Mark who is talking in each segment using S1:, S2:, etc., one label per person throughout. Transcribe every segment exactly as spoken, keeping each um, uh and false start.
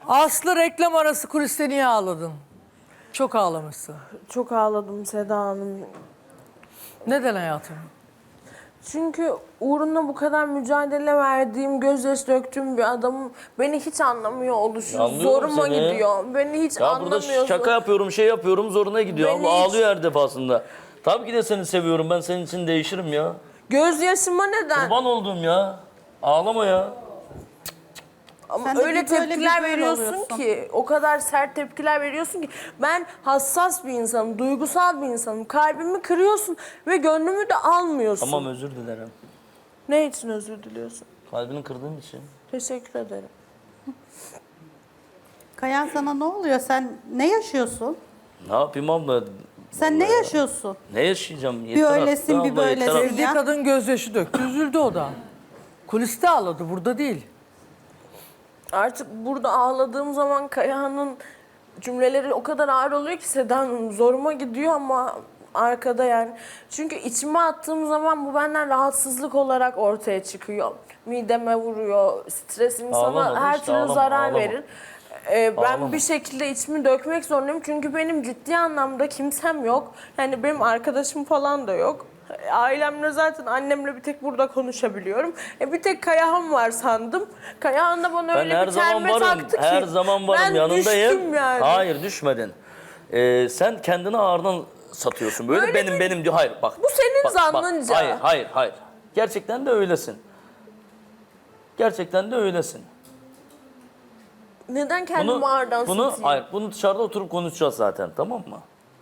S1: Aslı reklam arası kuliste niye ağladın? Çok ağlamışsın.
S2: Çok ağladım Seda Hanım.
S1: Neden hayatım?
S2: Çünkü uğruna bu kadar mücadele verdiğim, gözyaşı döktüğüm bir adamın beni hiç anlamıyor oluşu
S3: Anlıyorum
S2: zoruma
S3: seni.
S2: gidiyor. Beni hiç
S3: Ya
S2: anlamıyorsun.
S3: burada şaka yapıyorum, şey yapıyorum, zoruna gidiyor.
S2: Beni
S3: Ama
S2: hiç-
S3: ağlıyor her defasında. Tabii ki de seni seviyorum. Ben senin için değişirim ya.
S2: Gözyaşıma neden?
S3: Kurban olduğum ya. Ağlama ya.
S2: Ama
S4: Sen de
S2: öyle
S4: bir böyle bir
S2: tepkiler
S4: böyle
S2: veriyorsun
S4: oluyorsun.
S2: ki, o kadar sert tepkiler veriyorsun ki ben hassas bir insanım, duygusal bir insanım. Kalbimi kırıyorsun ve gönlümü de almıyorsun.
S3: Tamam, özür dilerim.
S2: Ne için özür diliyorsun?
S3: Kalbini kırdığın için.
S2: Teşekkür ederim.
S4: Kayan sana ne oluyor? Sen ne yaşıyorsun?
S3: Ne yapayım abla?
S4: Sen ne yaşıyorsun?
S3: Ne yaşayacağım?
S4: Bir
S3: Yeter
S4: öylesin,
S3: artık
S4: bir
S3: abla, yeter
S4: böylesin.
S3: artık.
S1: Sevdiği
S4: Ya.
S1: kadın gözyaşı döktü. Üzüldü o da. Kuliste ağladı. Burada değil.
S2: Artık burada ağladığım zaman Kayahan'ın cümleleri o kadar ağır oluyor ki Seda Hanım, zoruma gidiyor ama arkada yani. Çünkü içime attığım zaman bu benden rahatsızlık olarak ortaya çıkıyor. Mideme vuruyor, stres insana
S3: Ağlama,
S2: her
S3: işte
S2: türlü
S3: ağlama,
S2: zarar
S3: ağlama.
S2: verir. Ee, ben
S3: Ağlama.
S2: bir şekilde içimi dökmek zorundayım çünkü benim ciddi anlamda kimsem yok. Yani benim arkadaşım falan da yok. Ailemle zaten annemle bir tek burada konuşabiliyorum. E bir tek Kayahan var sandım. Kayahan da bana
S3: Ben
S2: öyle
S3: her
S2: bir
S3: zaman
S2: terme
S3: varım.
S2: taktı ki.
S3: Her zaman varım,
S2: ben
S3: yanındayım.
S2: düştüm yani.
S3: Hayır, düşmedin. Ee, sen kendini ağırdan satıyorsun. Böyle
S2: Öyle
S3: benim
S2: mi?
S3: benim diyor. Hayır bak.
S2: Bu senin
S3: bak, bak.
S2: zannınca.
S3: Hayır, hayır, hayır. Gerçekten de öylesin. Gerçekten de öylesin.
S2: Neden kendimi ağırdan
S3: bunu,
S2: satayım?
S3: hayır, bunu dışarıda oturup konuşacağız zaten, tamam mı?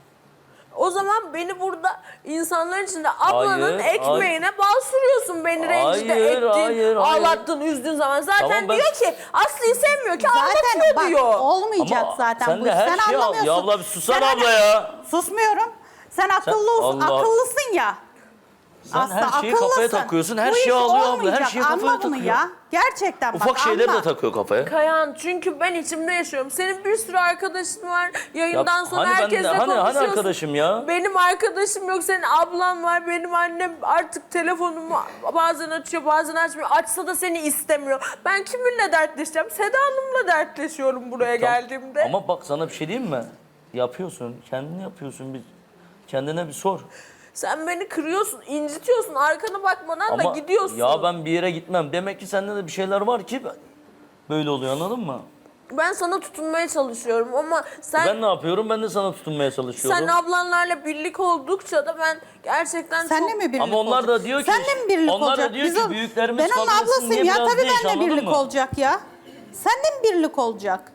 S2: O zaman beni burada insanların içinde ablanın
S3: Hayır,
S2: ekmeğine bal sürüyorsun. Beni rencide
S3: Hayır,
S2: ettin,
S3: hayır, hayır.
S2: ağlattın, üzdün zaman. Zaten
S3: Tamam, ben-
S2: diyor ki Aslı'yı sevmiyor ki
S4: Zaten
S2: ağlatıyor
S4: bak
S2: diyor.
S4: olmayacak
S3: Ama
S4: zaten
S3: sen
S4: bu.
S3: de her
S4: sen
S3: şeyi al.
S4: anlamıyorsun.
S3: Ya abla bir susana
S4: Sen
S3: abla
S4: hani-
S3: ya.
S4: Susmuyorum. Sen akıllı olsun,
S3: Allah.
S4: akıllısın ya.
S3: Sen
S4: Aslında
S3: her şeyi kafaya
S4: akıllısın.
S3: takıyorsun, her
S4: Bu
S3: şeyi
S4: iş
S3: alıyor abla, her
S4: olmayacak.
S3: şeyi kafaya
S4: Anla bunu
S3: takıyor.
S4: ya. Gerçekten bak
S3: Ufak şeyleri
S4: anla.
S3: de takıyor kafaya.
S2: Kayan, çünkü ben içimde yaşıyorum. Senin bir sürü arkadaşın var. Yayından
S3: Ya
S2: sonra
S3: hani ben de-
S2: herkesle
S3: hani- hani
S2: konuşuyorsun.
S3: arkadaşım ya?
S2: Benim arkadaşım yok. Senin ablan var. Benim annem artık telefonumu bazen açıyor, bazen açmıyor. Açsa da seni istemiyor. Ben kiminle dertleşeceğim? Seda Hanım'la dertleşiyorum buraya geldiğimde.
S3: Ama bak sana bir şey diyeyim mi? Yapıyorsun, kendini yapıyorsun. Bir, kendine bir sor.
S2: Sen beni kırıyorsun, incitiyorsun. Arkana bakmadan da
S3: Ama
S2: gidiyorsun.
S3: ya ben bir yere gitmem. Demek ki sende de bir şeyler var ki böyle oluyor, anladın mı?
S2: Ben sana tutunmaya çalışıyorum ama sen
S3: Ben ne yapıyorum? Ben de sana tutunmaya çalışıyorum.
S2: sen ablanlarla birlik oldukça da ben gerçekten
S4: Senle
S2: çok...
S4: mi birlik
S3: Ama onlar da
S4: olacak?
S3: diyor ki-
S4: Senle mi birlik
S3: onlar da
S4: olacak?
S3: diyor ki
S4: Bizim-
S3: büyüklerimiz
S4: Ben onun
S3: kabul etsin
S4: ablasıyım
S3: diye
S4: ya.
S3: biraz
S4: Tabii
S3: değiş,
S4: benimle
S3: anladın
S4: birlik
S3: mı?
S4: olacak ya. Senle mi birlik olacak?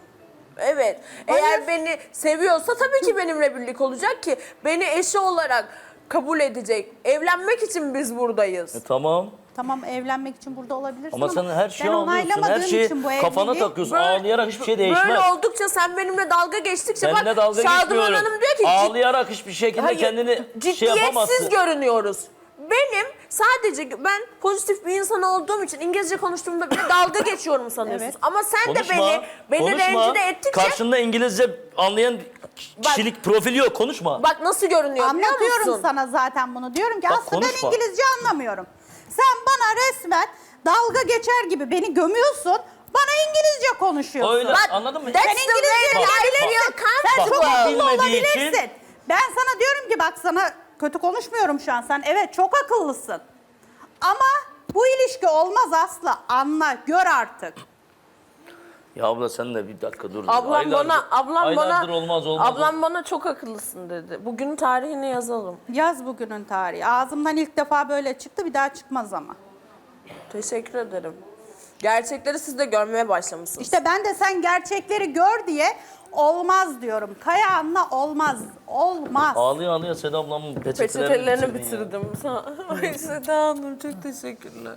S2: Evet.
S4: Hayır.
S2: Eğer beni seviyorsa tabii ki benimle birlik olacak ki beni eşi olarak kabul edecek. Evlenmek için biz buradayız.
S3: E, tamam.
S4: Tamam evlenmek için burada olabilirsin
S3: Ama sen her şeyi
S4: ben
S3: alıyorsun. Her
S4: onaylamadığım
S3: şeyi
S4: için bu
S3: kafana
S4: evliliği-
S3: takıyorsun.
S2: Böyle-
S3: Ağlayarak hiçbir şey değişmez.
S2: Böyle oldukça sen benimle dalga geçtikçe bak
S3: Seninle dalga
S2: Şadıman
S3: geçmiyorum.
S2: Hanım diyor ki
S3: Ağlayarak hiçbir şekilde
S2: Hayır,
S3: kendini şey
S2: ciddiyetsiz
S3: yapamazsın.
S2: görünüyoruz. Benim sadece ben pozitif bir insan olduğum için İngilizce konuştuğumda bile dalga geçiyorum sanıyorsun.
S4: Evet.
S2: Ama sen
S3: Konuşma,
S2: de beni beni
S3: konuşma.
S2: rencide ettikçe
S3: Karşında İngilizce anlayan kişilik profili yok, konuşma.
S2: bak nasıl görünüyor biliyor
S4: Anlatıyorum
S2: musun?
S4: sana zaten bunu. Diyorum ki
S3: Bak,
S4: aslında ben
S3: konuşma.
S4: İngilizce anlamıyorum. Sen bana resmen dalga geçer gibi beni gömüyorsun. Bana İngilizce konuşuyorsun.
S3: Öyle,
S2: Bak,
S3: anladın mı?
S2: that's
S4: Sen
S2: the
S4: İngilizce
S2: way I
S4: bilebilirsin.
S2: feel
S4: Sen çok
S2: comfortable.
S4: akıllı
S3: Bilmediği için-
S4: olabilirsin. Ben sana diyorum ki bak sana kötü konuşmuyorum şu an. Sen evet çok akıllısın. Ama bu ilişki olmaz Aslı. Anla, gör artık.
S3: Ya abla sen de bir dakika dur.
S2: Ablam
S3: Aylardır-
S2: bana ablam bana
S3: aylardır olmaz olmaz.
S2: ablam bana çok akıllısın dedi. Bugünün tarihini yazalım.
S4: Yaz bugünün tarihi. Ağzımdan ilk defa böyle çıktı, bir daha çıkmaz ama.
S2: Teşekkür ederim. Gerçekleri siz de görmeye başlamışsınız.
S4: İşte ben de sen gerçekleri gör diye olmaz diyorum. Kayahan'la olmaz. Olmaz.
S3: Ağlıyor ağlıyor Seda ablamın peçetelerini,
S2: Peçetelerini
S3: bitirdin ya.
S2: bitirdim. Sağ- Ay Seda Hanım çok teşekkürler.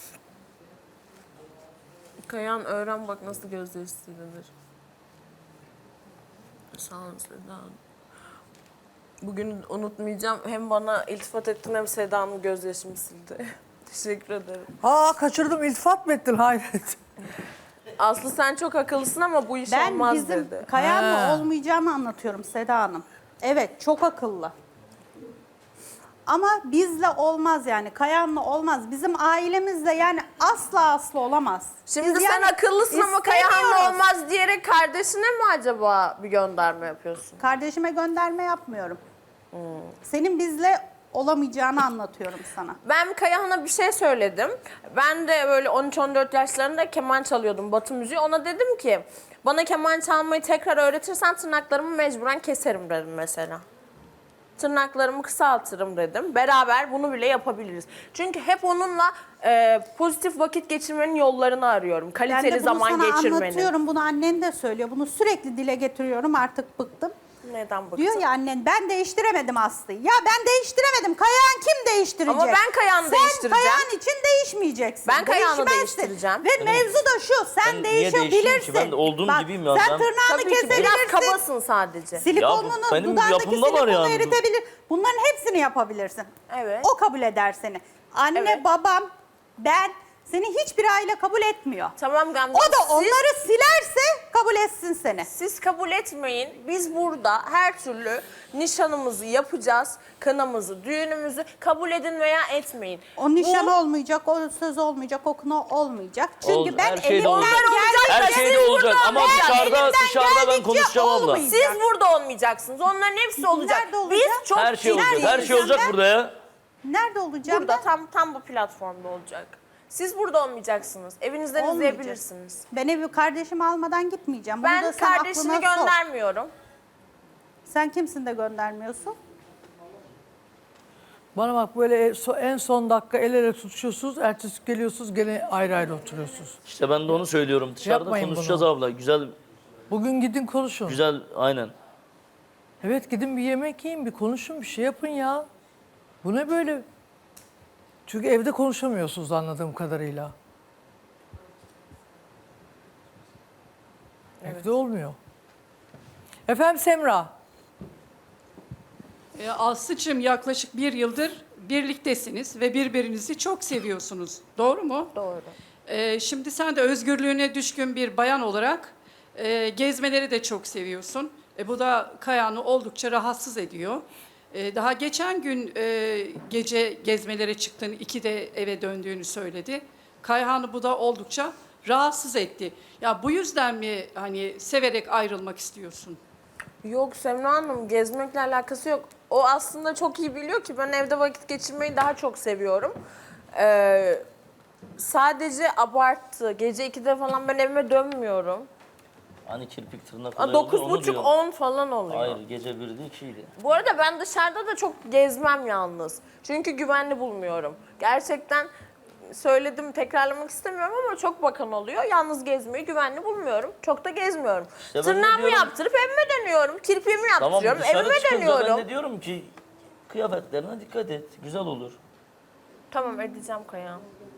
S2: Kayan öğren bak nasıl gözyaşı silinir. Sağ olun Seda Hanım. Bugün unutmayacağım. Hem bana iltifat ettin hem Seda Hanım gözyaşımı sildi. Teşekkür ederim.
S1: Aa kaçırdım. İltifat mı ettin? Hayret.
S2: Aslı sen çok akıllısın ama bu iş
S4: Ben
S2: olmaz
S4: bizim
S2: dedi.
S4: Kayahan'la
S1: Ha.
S4: olmayacağını anlatıyorum Seda Hanım. Evet, çok akıllı. Ama bizle olmaz yani. Kayahan'la olmaz. Bizim ailemizle yani asla asla olamaz.
S2: Şimdi
S4: Biz
S2: sen
S4: yani
S2: akıllısın ama Kayahan'la
S4: istemiyoruz.
S2: olmaz diyerek bilerek kardeşine mi acaba bir gönderme yapıyorsun?
S4: Kardeşime gönderme yapmıyorum. Senin bizle olamayacağını anlatıyorum sana.
S2: Ben Kayahan'a bir şey söyledim. Ben de böyle on üç on dört yaşlarında keman çalıyordum, Batı müziği. Ona dedim ki bana keman çalmayı tekrar öğretirsen tırnaklarımı mecburen keserim dedim mesela. Tırnaklarımı kısaltırım dedim. Beraber bunu bile yapabiliriz. Çünkü hep onunla e, pozitif vakit geçirmenin yollarını arıyorum.
S4: Ben
S2: Kaliteli
S4: de bunu
S2: zaman
S4: sana
S2: geçirmenin.
S4: anlatıyorum. Bunu annen de söylüyor. Bunu sürekli dile getiriyorum. Artık bıktım.
S2: Neden bıktın?
S4: Diyor ya annen ben değiştiremedim Aslı'yı. Ya ben değiştiremedim. Kayahan kim değiştirecek?
S2: Ama ben Kayahan'ı
S4: Sen
S2: değiştireceğim.
S4: Kayahan için değişmeyeceksin.
S2: Ben Kayahan'ı
S4: Değişmezsin.
S2: değiştireceğim.
S4: Ve mevzu da şu. Sen
S3: Ben niye değişeyim
S4: değişebilirsin.
S3: ki? Ben de olduğum
S4: Bak,
S3: gibiyim ya.
S4: Sen
S3: Ben-
S4: tırnağını
S2: Tabii ki
S4: kesebilirsin.
S2: biraz kabasın sadece.
S4: Silikonunu,
S3: Ya bu benim
S4: dudağındaki
S3: yapımda var
S4: silikonu
S3: yani.
S4: eritebilir. Bunların hepsini yapabilirsin.
S2: Evet.
S4: O kabul eder seni. Anne,
S2: Evet.
S4: babam, ben seni hiçbir aile kabul etmiyor.
S2: Tamam Gamze.
S4: O da
S2: siz-
S4: onları silerse kabul etsin seni.
S2: Siz kabul etmeyin. Biz burada her türlü nişanımızı yapacağız. Kınamızı, düğünümüzü kabul edin veya etmeyin.
S4: O nişan
S2: Bu-
S4: olmayacak, o söz olmayacak, o kına olmayacak. Çünkü
S3: Oldu,
S4: ben
S3: her şeyde
S4: elimden
S3: olacak.
S4: geldiğince...
S3: Her
S2: Siz
S3: şeyde
S2: burada
S3: olacak ama
S2: olmayacaksınız.
S3: dışarıda
S4: Elimden
S3: dışarıda ben
S4: geldikçe
S3: konuşacağım abla.
S4: olmayacak.
S2: Siz burada olmayacaksınız. Onların hepsi olacak.
S4: Nerede olacak?
S2: Biz çok
S3: Her şey olacak.
S2: ciddiyiz.
S3: Her şey olacak
S4: ben?
S3: burada ya.
S4: Nerede olacağım
S2: Burada
S4: ben?
S2: tam tam bu platformda olacak. Siz burada olmayacaksınız. Evinizden
S4: Olmayacak.
S2: izleyebilirsiniz.
S4: Ben evi kardeşimi almadan gitmeyeceğim. Bunu
S2: Ben
S4: da sen
S2: kardeşini
S4: aklına sok.
S2: göndermiyorum.
S4: Sen kimsin de göndermiyorsun?
S1: Bana bak böyle so- en son dakika el ele tutuşuyorsunuz. Ertesi geliyorsunuz gene ayrı ayrı oturuyorsunuz.
S3: İşte ben de onu söylüyorum. Dışarıda
S1: Yapmayın
S3: konuşacağız
S1: bunu.
S3: abla. Güzel
S1: Bugün gidin konuşun.
S3: güzel aynen.
S1: Evet gidin bir yemek yiyin, bir konuşun, bir şey yapın ya. Bu ne böyle? Çünkü evde konuşamıyorsunuz anladığım kadarıyla. Evde olmuyor. Efendim Semra.
S5: E, Aslı'cığım yaklaşık bir yıldır birliktesiniz ve birbirinizi çok seviyorsunuz. Doğru mu?
S2: Doğru.
S5: E, şimdi sen de özgürlüğüne düşkün bir bayan olarak e, gezmeleri de çok seviyorsun. E, bu da Kayahan'ı oldukça rahatsız ediyor. E, daha geçen gün e, gece gezmelere çıktın, ikide eve döndüğünü söyledi. Kayahan'ı bu da oldukça rahatsız etti. Ya bu yüzden mi hani severek ayrılmak istiyorsun?
S2: Yok Semra Hanım, gezmekle alakası yok. O aslında çok iyi biliyor ki ben evde vakit geçirmeyi daha çok seviyorum. Ee, sadece abarttı. Gece ikide falan ben evime dönmüyorum.
S3: Hani kirpik tırnak olayı
S2: Dokuz
S3: oluyor, onu
S2: buçuk
S3: diyorum.
S2: on falan oluyor.
S3: Hayır gece birde ikiydi.
S2: Bu arada ben dışarıda da çok gezmem yalnız. Çünkü güvenli bulmuyorum. Gerçekten söyledim, tekrarlamak istemiyorum ama çok bakan oluyor. Yalnız gezmeyi güvenli bulmuyorum. Çok da gezmiyorum.
S3: İşte ben de
S2: Tırnağımı
S3: diyorum-
S2: yaptırıp evime dönüyorum. Kirpiğimi
S3: Tamam
S2: yaptırıyorum,
S3: dışarı
S2: evime
S3: çıkınca
S2: dönüyorum.
S3: ben de diyorum ki kıyafetlerine dikkat et. Güzel olur.
S2: Tamam edeceğim Kaya.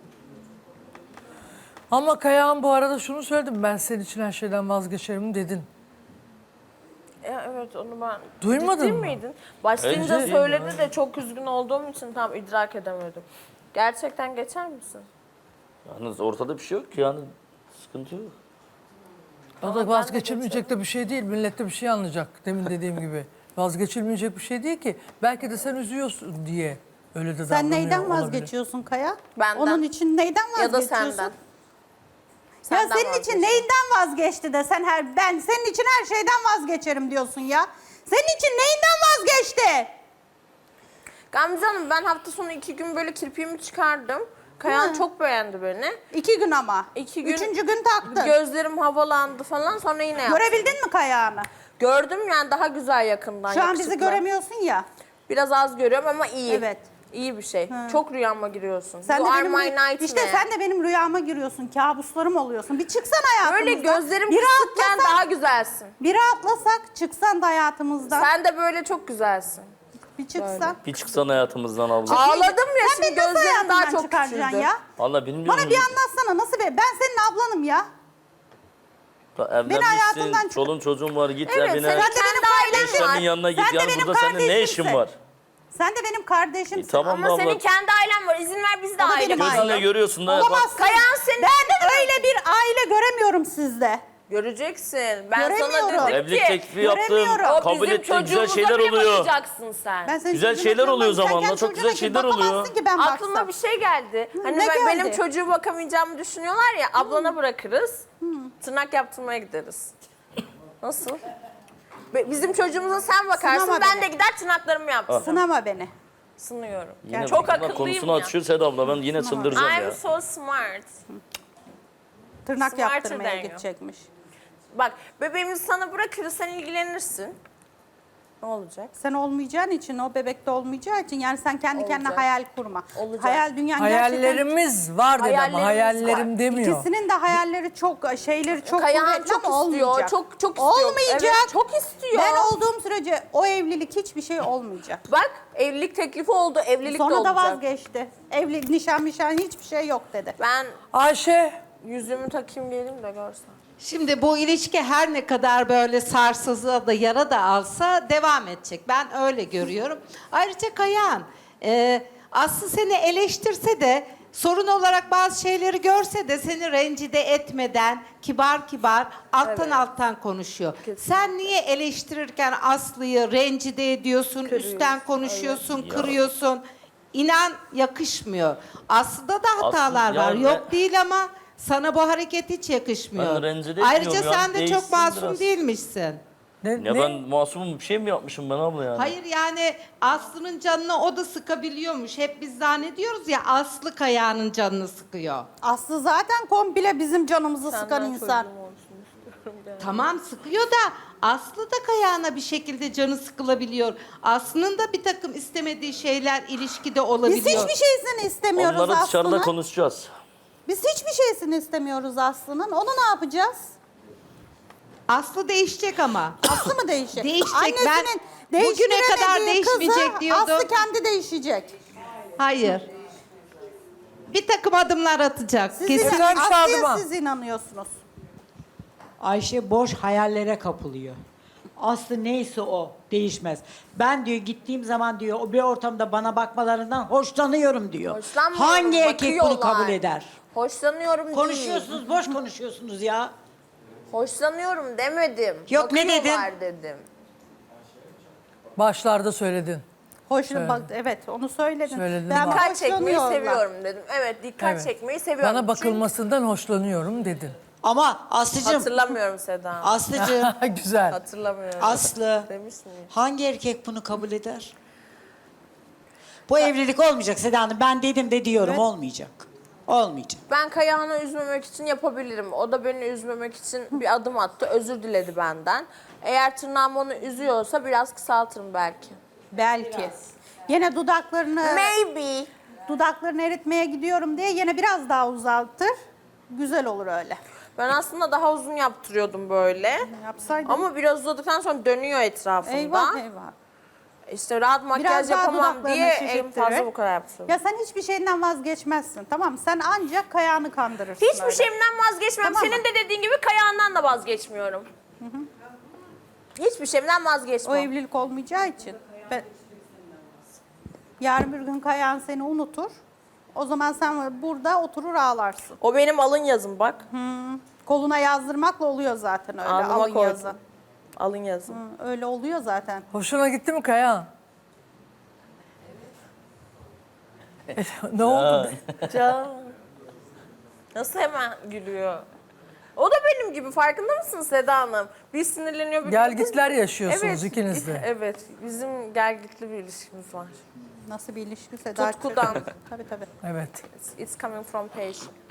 S1: Ama Kayahan bu arada şunu söyledim. Ben senin için her şeyden vazgeçerim dedin.
S2: Ya evet onu ben...
S1: Duymadın
S2: Ciddi
S1: mı?
S2: miydin? Başlayınca
S3: Ciddi
S2: söyledi de çok üzgün olduğum için tam idrak edemedim. Gerçekten geçer misin?
S3: Yalnız ortada bir şey yok ki yani sıkıntı yok.
S1: O
S2: Ama
S1: da
S2: ben de
S1: vazgeçilmeyecek de bir şey değil. Millet de bir şey anlayacak demin dediğim gibi. Vazgeçilmeyecek bir şey değil ki. Belki de sen üzüyorsun diye öyle de
S4: Sen
S1: davranıyor
S4: neyden
S1: olabilir.
S4: vazgeçiyorsun Kaya?
S2: Benden.
S4: Onun için neyden
S2: Ya da
S4: vazgeçiyorsun?
S2: senden.
S4: Ya
S2: Senden
S4: senin için
S2: vazgeçiyorum.
S4: neyden vazgeçti de sen her ben senin için her şeyden vazgeçerim diyorsun ya. Senin için neyinden vazgeçti?
S2: Gamze Hanım ben hafta sonu iki gün böyle kirpiğimi çıkardım. Kayan
S4: Hı.
S2: çok beğendi beni.
S4: İki gün ama.
S2: İki gün-
S4: Üçüncü gün taktın.
S2: Gözlerim havalandı falan sonra yine yaptım.
S4: Görebildin mi Kaya'nı?
S2: Gördüm yani daha güzel yakından.
S4: Şu an bizi
S2: yakışıklı.
S4: göremiyorsun ya.
S2: Biraz az görüyorum ama iyi.
S4: Evet.
S2: İyi bir şey. Çok rüyama giriyorsun.
S4: Sen
S2: You
S4: de
S2: are
S4: benim
S2: my
S4: rüy-
S2: nightmare.
S4: işte sen de benim rüyama giriyorsun. Kabuslarım oluyorsun. Bir çıksan hayatımızdan.
S2: Böyle gözlerim
S4: bir
S2: kısıkken
S4: rahatlasak,
S2: daha güzelsin.
S4: bir rahatlasak çıksan da hayatımızdan.
S2: Sen de böyle çok güzelsin.
S4: bir çıksan.
S3: Bir çıksan hayatımızdan abla.
S2: Ağladım ya
S4: Sen
S2: şimdi
S4: beni nasıl
S2: gözlerim daha
S4: hayatımdan
S2: çok
S4: çıkaracaksın
S2: küçüldü.
S4: ya?
S3: Valla bilmiyorum.
S4: Bana bir anlatsana nasıl be? Ben senin ablanım ya.
S3: Evlenmişsin,
S4: hayatımdan çık-
S3: çolun çocuğun var git
S2: Evet,
S3: evine.
S2: sen de benim ailem
S3: Eşyanın
S2: var.
S3: yanına git.
S4: Sen de
S3: Yani
S4: benim
S3: burada senin ne işin
S4: kardeşimsin.
S3: var?
S4: Sen de benim kardeşimsin.
S3: E, tamam
S2: Ama
S3: abla.
S2: senin kendi ailen var. İzin ver biz de
S4: O da
S2: aile
S4: benim
S2: olalım.
S3: Gözünle görüyorsun da.
S4: Olamazsın.
S2: Kayan senin
S4: Ben öyle bir aile göremiyorum sizde.
S2: Göreceksin. Ben sana
S4: Göremiyorum.
S2: dedim
S3: Evlilik
S2: ki
S3: teklifi yaptım.
S4: göremiyorum.
S2: o
S3: Kabul
S2: bizim
S3: ettin. Güzel
S2: çocuğumuza
S3: şeyler
S2: bile
S3: oluyor.
S2: bakacaksın sen.
S4: Ben senin
S3: Güzel
S4: çocuğuna
S3: şeyler oluyor
S4: bakmam. Sen
S3: zamanla,
S4: kendi
S3: çok
S4: çocuğuna
S3: güzel
S4: git,
S3: şeyler
S4: bakamazsın
S3: oluyor.
S4: ki ben
S2: Aklıma
S4: baksam.
S2: bir şey geldi. Hani
S4: ne
S2: ben- benim
S4: geldi?
S2: çocuğu bakamayacağımı düşünüyorlar ya, ablana bırakırız. Tırnak yaptırmaya gideriz. Nasıl? Be- Bizim çocuğumuza sen bakarsın,
S4: Sınama
S2: ben
S4: beni.
S2: de gider tırnaklarımı yaptırırım.
S4: Sınama beni.
S2: Sınıyorum.
S3: Yine
S2: Çok
S3: tırnak
S2: akıllıyım
S3: konusunu
S2: ya.
S3: açıyor Seda abla. Ben yine çıldıracağım
S2: I'm
S3: ya.
S2: so smart.
S4: Tırnak
S2: Smarter
S4: yaptırmaya
S2: than you.
S4: gidecekmiş.
S2: Bak, bebeğimizi sana bırakırız, sen ilgilenirsin. Ne olacak?
S4: Sen olmayacağın için, o bebekte olmayacağı için yani sen kendi kendine
S2: Olacak.
S4: hayal kurma.
S2: Olacak.
S4: Hayal dünyan gerçekten...
S1: Hayallerimiz var dedi ama
S2: Hayallerimiz
S1: hayallerim
S2: var.
S1: demiyor.
S4: İkisinin de hayalleri çok, şeyleri çok
S2: Kayahan
S4: kuvvetli
S2: çok
S4: ama
S2: istiyor,
S4: olmayacak.
S2: çok- çok istiyor.
S4: Olmayacak.
S2: Evet, çok istiyor.
S4: Ben olduğum sürece o evlilik hiçbir şey olmayacak.
S2: Bak, evlilik teklifi oldu, evlilik de
S4: Sonra
S2: olacak.
S4: da vazgeçti. Evlilik, nişan, mişan hiçbir şey yok dedi.
S2: Ben
S1: Ayşe
S2: yüzümü takayım geleyim de görsen.
S6: Şimdi bu ilişki her ne kadar böyle sarsılsa da yara da alsa devam edecek. Ben öyle görüyorum. Ayrıca Kayahan, e, Aslı seni eleştirse de sorun olarak bazı şeyleri görse de seni rencide etmeden kibar kibar alttan alttan konuşuyor. Sen niye eleştirirken Aslı'yı rencide ediyorsun, üstten konuşuyorsun, kırıyorsun? İnan yakışmıyor. Aslı'da da hatalar
S3: Aslı-
S6: var.
S3: yani
S6: Yok
S3: ben-
S6: değil ama sana bu hareket hiç yakışmıyor.
S3: Ben rencide
S6: Ayrıca
S3: etmiyorum ya,
S6: sen de çok
S3: değişsin
S6: masum
S3: biraz.
S6: değilmişsin.
S1: ne,
S3: Ya
S1: ne?
S3: ben masumum, bir şey mi yapmışım ben abla yani?
S6: Hayır yani Aslı'nın canını o da sıkabiliyormuş. Hep biz zannediyoruz ya Aslı Kaya'nın canını sıkıyor.
S4: Aslı zaten komple bizim canımızı sıkan
S2: Senden
S4: insan.
S2: çocuğum olsun istiyorum yani.
S6: Tamam sıkıyor da Aslı da Kaya'na bir şekilde canı sıkılabiliyor. Aslı'nın da bir takım istemediği şeyler ilişkide
S4: Biz
S6: olabiliyor.
S4: hiçbir şeysini istemiyoruz
S3: Onları dışarıda
S4: Aslı'nın.
S3: konuşacağız.
S4: Biz hiçbir şeysini istemiyoruz Aslı'nın. Onu ne yapacağız?
S6: Aslı değişecek ama.
S4: Aslı mı değişecek?
S6: Değişecek. Ben
S4: Annesinin
S6: bugüne kadar
S4: değiştiremediği
S6: değişmeyecek
S4: kızı
S6: diyordum.
S4: Aslı kendi değişecek.
S6: Hayır. Bir takım adımlar atacak.
S4: Siz
S6: Kesin.
S1: Güzel bir şey
S4: Aslı'ya
S1: adıma.
S4: siz inanıyorsunuz.
S7: Ayşe boş hayallere kapılıyor. Aslı neyse o değişmez. Ben diyor gittiğim zaman diyor o bir ortamda bana bakmalarından hoşlanıyorum diyor.
S2: Hoşlanmıyorum,
S7: Hangi erkek bunu
S2: bakıyorlar.
S7: kabul eder?
S2: Hoşlanıyorum değil.
S7: Konuşuyorsunuz, boş konuşuyorsunuz ya.
S2: Hoşlanıyorum demedim.
S7: Yok, ne dedin?
S2: Bakıyorlar dedim.
S1: Başlarda söyledin.
S4: Hoş,
S1: Söyle.
S4: bak, evet onu söyledin.
S1: Söyledin
S4: ben
S1: bak.
S2: Dikkat çekmeyi
S4: hoşlanıyorlar.
S2: seviyorum dedim. Evet, dikkat
S1: Evet.
S2: çekmeyi seviyorum.
S1: Bana
S2: Çünkü
S1: bakılmasından hoşlanıyorum dedin.
S7: Ama Aslı'cığım,
S2: hatırlamıyorum Seda.
S7: Aslı'cığım,
S1: Güzel.
S2: Hatırlamıyorum.
S7: Aslı
S2: Demiş miyim?
S7: hangi erkek bunu kabul eder? Bu evlilik olmayacak Seda Hanım. Ben dedim de diyorum olmayacak. Olmayacak.
S2: Ben Kayahan'ı üzmemek için yapabilirim. O da beni üzmemek için bir adım attı. Özür diledi benden. Eğer tırnağım onu üzüyorsa biraz kısaltırım belki.
S4: Belki. Yine dudaklarını
S2: Maybe.
S4: dudaklarını eritmeye gidiyorum diye yine biraz daha uzaltır. Güzel olur öyle.
S2: Ben aslında daha uzun yaptırıyordum böyle.
S4: Yapsaydın.
S2: Ama biraz uzadıktan sonra dönüyor etrafında.
S4: Eyvah eyvah.
S2: İşte rahat makyaj
S4: Biraz daha
S2: yapamam
S4: dudaklarını
S2: diye en
S4: şişirttirir.
S2: fazla bu kadar yaptım.
S4: Ya sen hiçbir şeyinden vazgeçmezsin, tamam mı? Sen ancak Kayağını kandırırsın.
S2: Hiçbir
S4: öyle.
S2: şeyimden vazgeçmem.
S4: Tamam mı?
S2: Senin de dediğin gibi Kayahan'dan da vazgeçmiyorum. Hiçbir şeyimden vazgeçmem.
S4: O evlilik olmayacağı için. Ben... Yarın bir gün Kayağın seni unutur. O zaman sen burada oturur ağlarsın.
S2: O benim alın yazım bak.
S4: Koluna yazdırmakla oluyor zaten öyle
S2: Alnıma
S4: alın
S2: koydum.
S4: yazı.
S2: Alın yazım.
S4: Hı, öyle oluyor zaten.
S1: Hoşuna gitti mi Kayahan? Ne oldu?
S2: Can. Nasıl hemen gülüyor? O da benim gibi, farkında mısın Seda Hanım? Bir sinirleniyor bir
S1: Gelgitler yaşıyorsunuz ikiniz de.
S2: Evet, bizim gelgitli bir ilişkimiz var.
S4: Nasıl bir ilişki Seda?
S2: Tutkudan.
S4: Tabii tabii.
S1: Evet.
S2: It's coming from passion.